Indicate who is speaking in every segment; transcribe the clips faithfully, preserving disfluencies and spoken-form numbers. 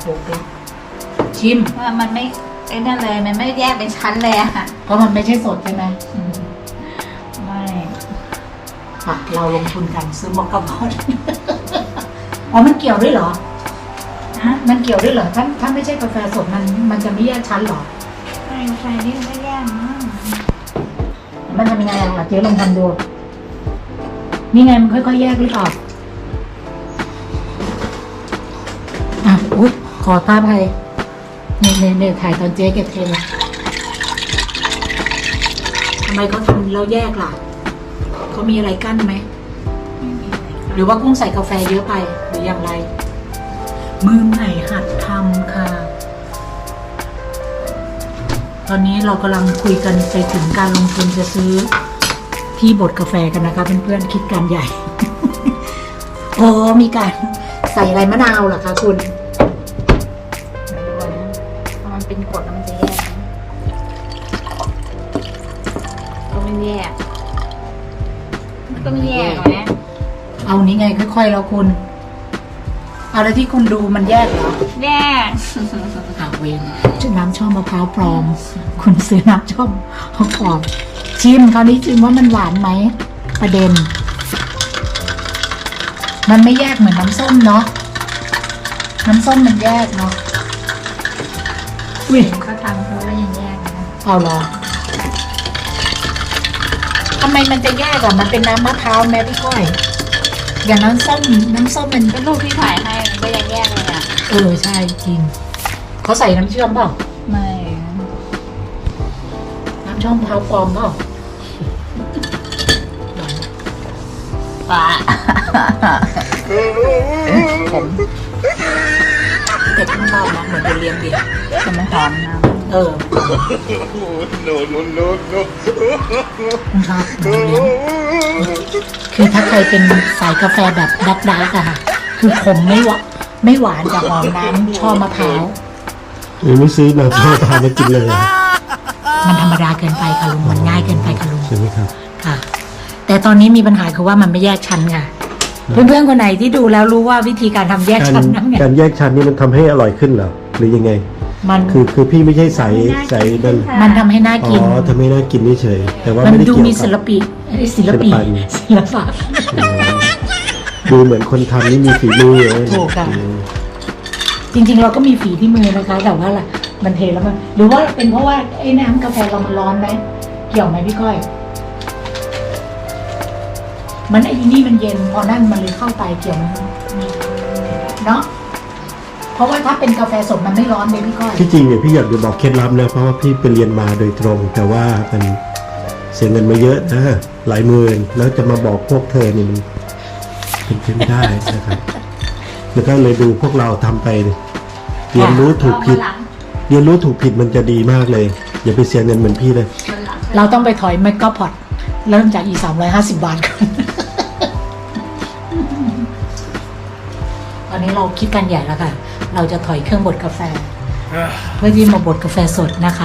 Speaker 1: หกแล้วชิม
Speaker 2: ว่ามันไม่ไอ้นั่นเลยมันไม่แยกเป็นชั้นเลยอะ
Speaker 1: เพราะมันไม่ใช่สดใช่ไหม
Speaker 2: ไม่
Speaker 1: ค่ะเราลงทุนกันซื้อมอคค่าบอล อ๋อมันเกี่ยวด้วยเหรอ
Speaker 2: ฮะ
Speaker 1: มันเกี่ยวด้วยเหรอถ้าถ้าไม่ใช่กาแฟสดมันมันจะไม่แยกชั้นเหรอ
Speaker 2: ไม่กาแฟนี่ไม่แยกมั้ง
Speaker 1: มันทำยังไงอ่ะเจ๊ลองทำดูนี่ไงมันค่อยๆแยกหรือเปล่าอ่ะอุ๊ยขอท้าภัยเนี่ยเนี่ยเนี่ยถ่ายตอนเจ๊เก็บเทนทำไมเขาทำแล้วแยกล่ะเขามีอะไรกั้นไหม
Speaker 2: ไม่มีอะไร
Speaker 1: หรือว่ากุ้งใส่กาแฟเยอะไปหรืออย่างไร มือใหม่หัดทำค่ะ ตอนนี้เรากำลังคุยกันไปถึงการลงทุนจะซื้อที่บดกาแฟกันนะคะเพื่อนๆคิดการใหญ่ โอ้มีการใส่อะไรมะนาวเหรอคะคุณ
Speaker 2: ไม่รู้นะถ้ามันเป็นกรดแล้วมันจะแยกไหมก็ไม่แยกมันก็ไม่แยกหรอกนะ
Speaker 1: เอานี้ไงค่อยๆแล้วคุณเอาแล้วที่คุณดูมันแยกเหรอ
Speaker 2: แยก
Speaker 1: อ่าเวนชื่อน้ำช่อมะพร้าวปลอม คุณซื้อน้ำช่อมมะพร้าวปลอมชิมคราวนี้ชิมว่ามันหวานไหมประเด็น มันไม่แยกเหมือนน้ำส้มเนาะน้ำส้มมันแยกเนาะอุ้ย
Speaker 2: เขาทำเขาก็ยังแยกนะ
Speaker 1: เอาเหรอทำไมมันจะแยกอ่ะมันเป็นน้ำมะพร้าวแม่พี่ก้อยอย่างน้ำส้มน้ำส้มมัน
Speaker 2: ก็รูปที่ถ่ายให้มันก็ยังแยกเลยอ่ะ
Speaker 1: เออใช่จริงเขาใส่น้ำเชื่อมเปล่า
Speaker 2: ไม่
Speaker 1: น้ำช่อมมะพร้าวปลอมเปล่า
Speaker 2: ปะผม
Speaker 1: แต่ข้างนอกนะเหมือนเป็นเลี้ยงเบียร์
Speaker 2: จะไม่หอมนะ
Speaker 1: เออ
Speaker 3: no, no, no, no.
Speaker 1: ครับเหมือนเลี้ยงคือถ้าใครเป็นสายกาแฟแบบดักดักอะค่ะ คือขมไม่หวานไม่หวานแต่หอมน้ำช่อมะพร้าว
Speaker 3: หรือไม่ซื้อน้ำชาพามากินเลยอะ
Speaker 1: มันธรรมดาเกินไปค่ะลุงมันง่ายเกินไปค่ะลุง
Speaker 3: ใช่ไหมครับ
Speaker 1: ค่ะ แต่ตอนนี้มีปัญหาคือว่ามันไม่แยกชั้นค่ะเพื่อนๆคนไหนที่ดูแล้วรู้ว่าวิธีการทำแยก
Speaker 3: การ
Speaker 1: ชั้นนั่นไง
Speaker 3: การแยกชั้นนี่มันทำให้อร่อยขึ้นเหรอหรือยังไง
Speaker 1: มัน
Speaker 3: คือคือพี่ไม่ใช่ใสใสนั่น
Speaker 1: มันทำให้น่า
Speaker 3: อ๋
Speaker 1: กิน
Speaker 3: อทำให้น่ากินเฉยๆแต่ว่า
Speaker 1: มัน
Speaker 3: ไม่ได้
Speaker 1: ดู
Speaker 3: เกี่ยว
Speaker 1: มี
Speaker 3: กั
Speaker 1: ศิล
Speaker 3: บ
Speaker 1: ปิเอ้ยศิลปิ
Speaker 3: ศิลปะ
Speaker 1: ศิลปะ
Speaker 3: อ๋อดูเหมือนคนทำนี่มีฝีมือเลย
Speaker 1: ถูกค่ะ
Speaker 3: อืม
Speaker 1: จริงๆเราก็มีฝีที่มือนะคะ แต่ว่าล่ะมันเทแล้วมันหรือว่าเป็นเพราะว่าไอ้น้ำกาแฟเรามันร้อนไหมเกี่ยวไหมพี่ก้อย มันไอ้นี่มันเย็นพอนั่นมันเลยเข้าไปเกี่ยวไหมเนาะเพราะว่าถ้าเป็นกาแฟสดมันไม่ร้อนเลยพี่ก้อย
Speaker 3: ที่จริงเนี่ยพี่อยากจะบอกเคล็ดลับนะเพราะว่าพี่ไปเรียนมาโดยตรง แต่ว่ามันเสียเงินมาเยอะนะหลายหมื่นแล้วจะมาบอกพวกเธอนี่มันเป็นไปไม่ได้นะครับ แล้วก็เลยดูพวกเราทำไปเรียนรู้ถูกผิด
Speaker 2: เอามาหลัง
Speaker 3: เรียนรู้ถูกผิดมันจะดีมากเลย อย่าไปเสียเงินเหมือนพี่เลย
Speaker 2: วันหลัง
Speaker 1: เราต้องไปถอยไมโครพอดเริ่มจากอีสามร้อยห้าสิบบาทก่อน ตอนนี้เราคิดกันใหญ่แล้วค่ะ เราจะถอยเครื่องบดกาแฟ เพื่อที่มาบดกาแฟสดนะคะ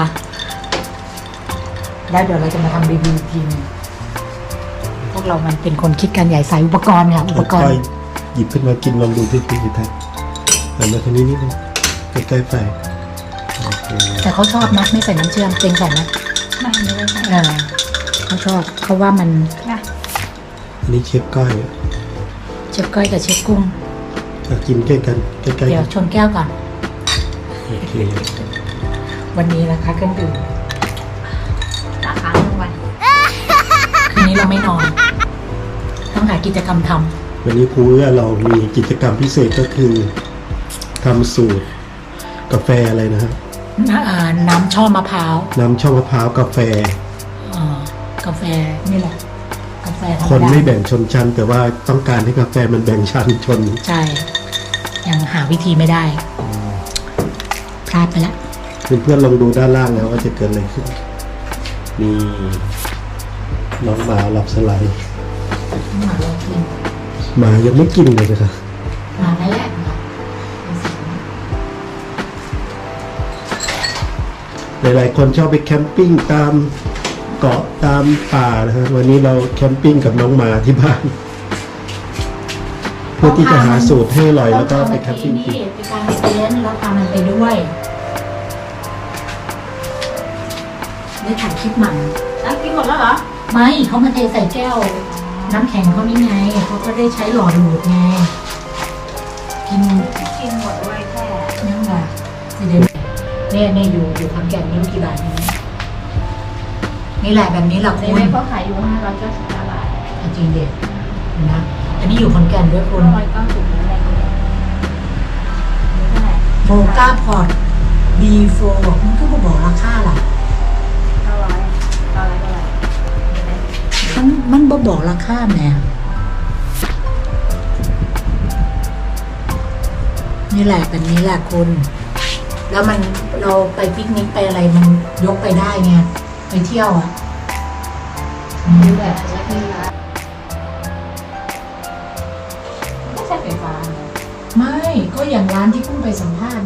Speaker 1: แล้วเดี๋ยวเราจะมาทำรีวิวอีกทีนึงพวกเรามันเป็นคนคิดกันใหญ่สายอุปกรณ์ค่ะอุปกร
Speaker 3: ค่อย
Speaker 1: ณ์
Speaker 3: ๆหยิบขึ้นมากินลองดูที่พี่ทัศน์หันมาทางนี้นิดนึงใกล้ๆไฟโอเค
Speaker 1: แต่เขาชอบนะไม่ใส่น้ำเชื่อมเต็งใส่นะ
Speaker 2: ไม่ไม่ได้ใช่
Speaker 1: เออเขาชอบเขาว่ามัน
Speaker 2: นะ
Speaker 3: อันนี้เชฟก้อยอ่ะ
Speaker 1: เชฟก้อยกับเชฟกุ้ง
Speaker 3: อ่ะกินใกล้กันใกล้ๆ
Speaker 1: เดี๋ย
Speaker 3: กั
Speaker 1: วน ชนแก้วก่อน
Speaker 3: โอเค
Speaker 1: วันนี้นะคะเครื่องดื่ม
Speaker 2: ตาค้างทั้งวัน
Speaker 1: คืนนี้เราไม่นอน ต้องหากิจกรรมทำ
Speaker 3: วันนี้ครูเอื้อเรามีกิจกรรมพิเศษก็คือทำสูตรกาแฟอะไรนะครับ
Speaker 1: น้ำอ่าน้ำช่อมะพร้าว
Speaker 3: น้ำช่อมะพร้าวกาแฟ
Speaker 1: อ่ากาแฟนี่แหละ กาแฟธรรมดา
Speaker 3: คนไม่แบ่งชนชั้น แต่ว่าต้องการให้กาแฟมันแบ่งชั้นชน
Speaker 1: ใช่ ยังหาวิธีไม่ได้ พลาดไปแล้ว
Speaker 3: เพื่อนๆลองดูด้านล่างนะว่าจะเกิดอะไรขึ้นมีน้องหมาหลับสไลด์
Speaker 1: หมาเรากิน
Speaker 3: หมายังไม่กินเลยนะครับ
Speaker 1: หมานั่นแหละ
Speaker 3: หลายๆคนชอบไปแคมปิ้งตามเกาะตามป่านะครับวันนี้เราแคมปิ้งกับน้องหมาที่บ้านเพื่อที่จะหาสูตรให้อร่อยแล้วก็ไปแคมปิ้งกิน
Speaker 1: ไปกางเต็นท์แล้วพามันไปด้วยได้ถ่ายคลิปใหม่
Speaker 2: แล้วกินหมดแล้วเหรอ
Speaker 1: ไม่เขามาเทใส่แก้ว น้ำแข็งเขานี่ไงเขาก็ได้ใช้หลอดดูดไงกิน
Speaker 2: กินหมดด้วยแค่
Speaker 1: นั่นแหละสิเดนเนี่ยเนี่ยอยู่อยู่ขอนแก่นไม่รู้กี่บาทนี่นี่แหละแบบนี้แหละ
Speaker 2: ใน
Speaker 1: คุณ
Speaker 2: เว็บเขาขายอยู่ห้าร้อยเก้าสิบเก้าบาท
Speaker 1: จริงเด็ดนะอันนี้อยู่ขอนแก่นด้วยคุณ
Speaker 2: ห้าร้อยเก้าสิบอะไรอย่างเงี้ยเท่าไหร่
Speaker 1: โบก้าพอร์ต บีโฟร์ มันก็มาบอกราคาล่ะ
Speaker 2: เก้าร้อยเก้าร้อยเท่าไหร่
Speaker 1: มันมันบ่บอกราคาแหม่นี่แหละแบบนี้แหละคุณ แล้วมันเราไปปิกนิกไปอะไรมันยกไปได้ไงไปเที่ยวอ่ะอืม
Speaker 2: แบบแล้วที่ร้านไม่ใช่ไฟฟ้า
Speaker 1: ไม่ก็อย่างร้านที่เพิ่งไปสัมภาษณ์